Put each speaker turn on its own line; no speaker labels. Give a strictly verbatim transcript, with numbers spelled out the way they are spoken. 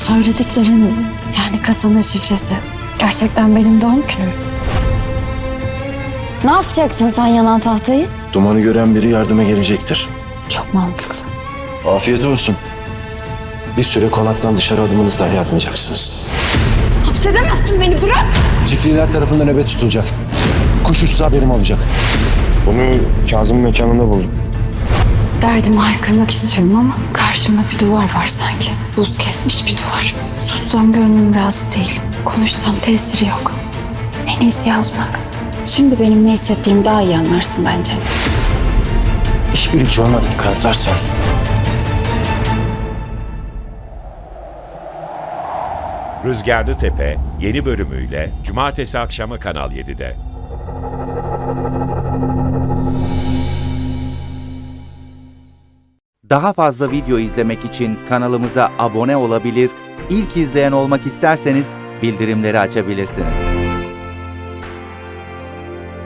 Söylediklerin, yani kasanın şifresi gerçekten benim doğum günüm. Ne yapacaksın sen yanan tahtayı?
Dumanı gören biri yardıma gelecektir.
Çok mantıklı.
Afiyet olsun. Bir süre konaktan dışarı adımınızı dahi atmayacaksınız.
Hapsedemezsin beni, bırak!
Çiftliler tarafından nöbet tutulacak. Kuş uçsa haberim olacak. Bunu Kazım'ın mekanında buldum.
Derdimi haykırmak istiyorum ama karşımda bir duvar var sanki. Buz kesmiş bir duvar. Sussam gönlüm razı değil. Konuşsam tesiri yok. En iyisi yazmak. Şimdi benim ne hissettiğimi daha iyi anlarsın bence.
İşbirlikçi olmadığını kanıtlarsan.
Rüzgarlı Tepe yeni bölümüyle Cumartesi akşamı Kanal yedide.
Daha fazla video izlemek için kanalımıza abone olabilir, ilk izleyen olmak isterseniz bildirimleri açabilirsiniz.